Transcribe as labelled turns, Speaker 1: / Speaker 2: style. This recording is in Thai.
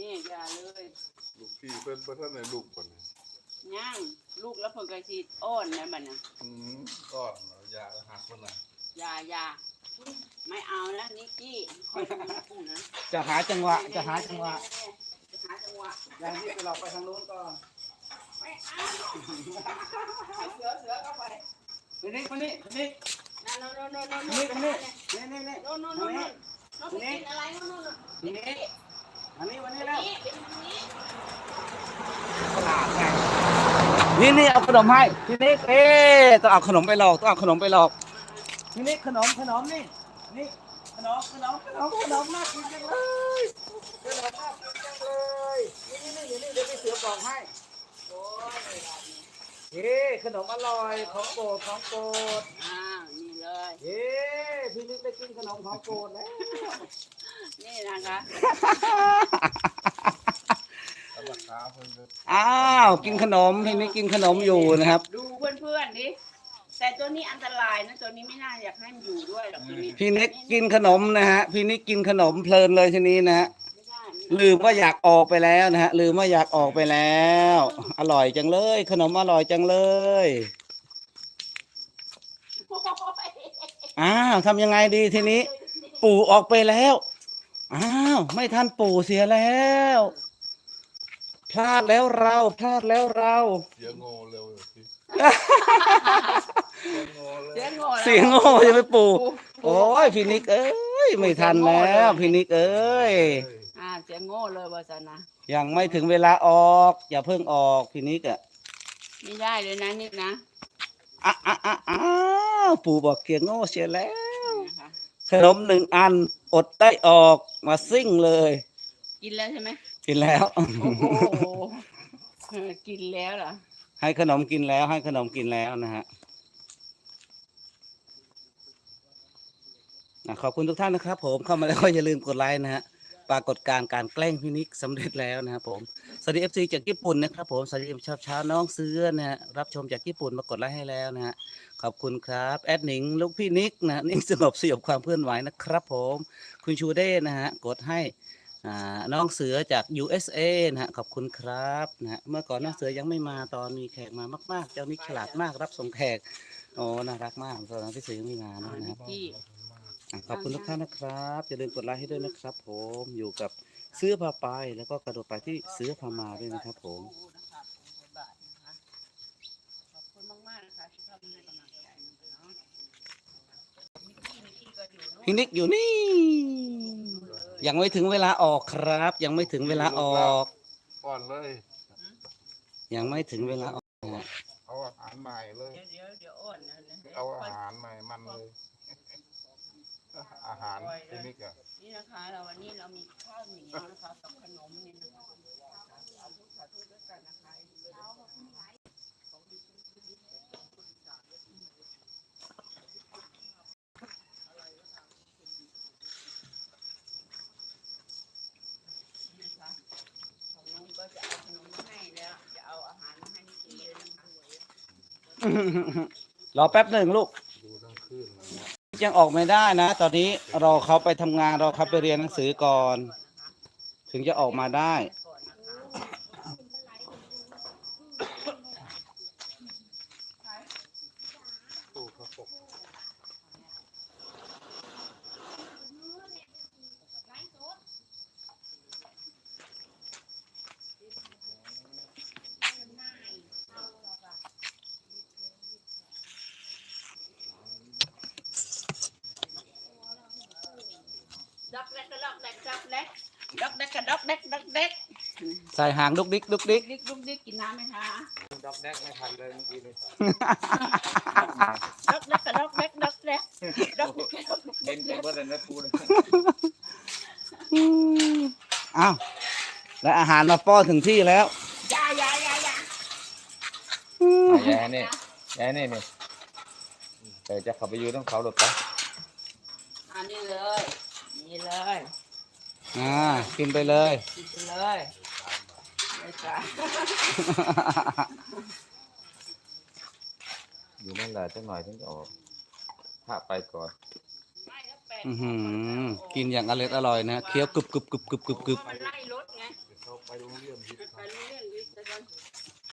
Speaker 1: นี่อย่าเลย
Speaker 2: ลูกพี่เพิ่นท่านในลูกคนนี้
Speaker 1: ย่างลูกแล้วเพิ่นก็สิอ้อนนะบัดน่ะ
Speaker 2: ก้อนยาหักคนน่ะ
Speaker 1: อย่าไม่เอานะนิกกี้คอยดูนะพูดนะ
Speaker 3: จะหาจังหวะ
Speaker 1: จะหาจังหวะ
Speaker 3: อย่างนี้ไปหลอกไปทางโน้นก่อน
Speaker 1: ไม่เอาเสือเข้าไป
Speaker 3: คนนี้
Speaker 1: นั่นโน่น
Speaker 3: นี่
Speaker 1: โน่นกินอะไรโน่น
Speaker 3: นี่วันนี้แล้วนี่เอาขนมให้ทีนี้ต้องเอาขนมไปหลอกทีนี้ขนมนี่ขนมน่ากินจังเลยนี่เดี๋ยวไปเสือบอกให้ขนมอร่อยของโปรด
Speaker 1: นี่เลย
Speaker 3: พี่นิดได้กินขนมของโปรดแล้ว
Speaker 1: นี่นะคะ
Speaker 3: อ้าวกินขนมพี่นิดกินขนมอยู่นะครับ
Speaker 1: ดูเพื่อนดิแต่ตัวนี้อันตรายนะตัวนี้ไม่น่าอยากให้มันอยู่ด้วยหรอกตัวนี้
Speaker 3: พี่นิดกินขนมนะฮะพี่นิดกินขนมเพลินเลยทีนี้นะฮะลืมว่าอยากออกไปแล้วนะฮะลืมว่าอยากออกไปแล้วอร่อยจังเลยขนมอร่อยจังเลยอ้าวทำยังไงดีทีนี้ปู่ออกไปแล้วอ้าวไม่ทันปู่เสียแล้วพลาดแล้วเราเ
Speaker 2: สียงโง่เร็วพี่
Speaker 3: เสียงโง่จะไปปู่โอ้ยพี่นิกเอ้ยไม่ทันแล้วพี่นิกเอ้ย
Speaker 1: เสียงโง่เลยว่าจะนะ
Speaker 3: ยังไม่ถึงเวลาออกอย่าเพิ่งออกพี่นิกอ่ะ
Speaker 1: ไม่ได้เลยนะนิกนะ
Speaker 3: อ้าวปู่บอกเสียงโง่เสียแล้วขนม1 อันอดได้ออกมาซิ่งเลย
Speaker 1: กินแล้วใช่ไหม
Speaker 3: กินแล้ว
Speaker 1: โอ้โหกินแล้วเหรอ
Speaker 3: ให้ขนมกินแล้วนะฮะขอบคุณทุกท่านนะครับผมเข้ามาแล้วก็อย่าลืมกดไลค์นะฮะปรากฏการณ์การแกล้งพี่นิกสำเร็จแล้วนะครับผมสวัสดี FC จากญี่ปุ่นนะครับผมสวัสดีเช้าน้องเสื้อนะฮะรับชมจากญี่ปุ่นมากดไลค์ให้แล้วนะฮะขอบคุณครับแอดหนิงลูกพี่นิกนะนิ่งสงบสยบความเคลื่อนไหวนะครับผมคุณชูเด้นะฮะกดให้น้องเสือจาก USA นะฮะขอบคุณครับนะฮะเมื่อก่อนน้องเสือยังไม่มาตอนมีแขกมามากๆเจ้านิกฉลาดมากรับส่งแขกโอ้น่ารักมากตอนนั้นพี่เสือยังไม่มานะครับขอบคุณทุกท่านนะครับอย่าลืมกดไลค์ให้ด้วยนะครับผมอยู่กับเสื้อผ้าไปแล้วก็กระโดดไปที่เสื้อผ้ามาด้วยนะครับผม
Speaker 1: ขอบคุณมากๆนะคะที่เข้ามาให้กำลังใจเนาะ
Speaker 3: พี่นิกอยู่นี่ยังไม่ถึงเวลาออกครับยังไม่ถึงเวลาออก
Speaker 2: ก่อนเลย
Speaker 3: ยังไม่ถึงเวลาออก
Speaker 2: เอาอาหารใหม่เลย
Speaker 1: เดี๋ยวอ่อนนะ
Speaker 2: เอาอาหารใหม่มันเลยอาหารที่นี่กัน
Speaker 1: นี่นะคะวันนี้เรามีข้าวเหนียวนะคะกับขนมนี่นะคะสาธุด้วยกันนะคะลุงก็จะเอาขนมมาให้แล้วจะเอาอาหารมาให้นิกกี้เลยนะคะ
Speaker 3: รอแป๊บหนึ่งลูกยังออกไม่ได้นะตอนนี้รอเขาไปทำงานรอเขาไปเรียนหนังสือก่อนถึงจะออกมาได้
Speaker 1: ด็อกเด็ก
Speaker 3: ใส่หางดุกดิก
Speaker 1: กินน้ำไหมคะ
Speaker 2: ด็อกแดกไม่ทันเลยเมื่อกี้เลย
Speaker 1: ด็อกเด็ก
Speaker 2: เห็นเป็นเบอร์นั้นพูด
Speaker 3: อ้าวและอาหารมาป้อนถึงที่แล้ว
Speaker 1: ยาย
Speaker 2: นี่แต่จะขับไปยืนต้องเขาหลบไป
Speaker 1: นี่เลย
Speaker 3: กินไปเลย
Speaker 2: อยู่นั่นแหละจังหน่อยถึงจะออกถ้าไปก่อน
Speaker 3: กินอย่างอร่อยนะเคี้ยวกึบ
Speaker 1: มันไล่รถไง
Speaker 4: ไปโรงเรียนผิด
Speaker 1: ไปโรงเรียน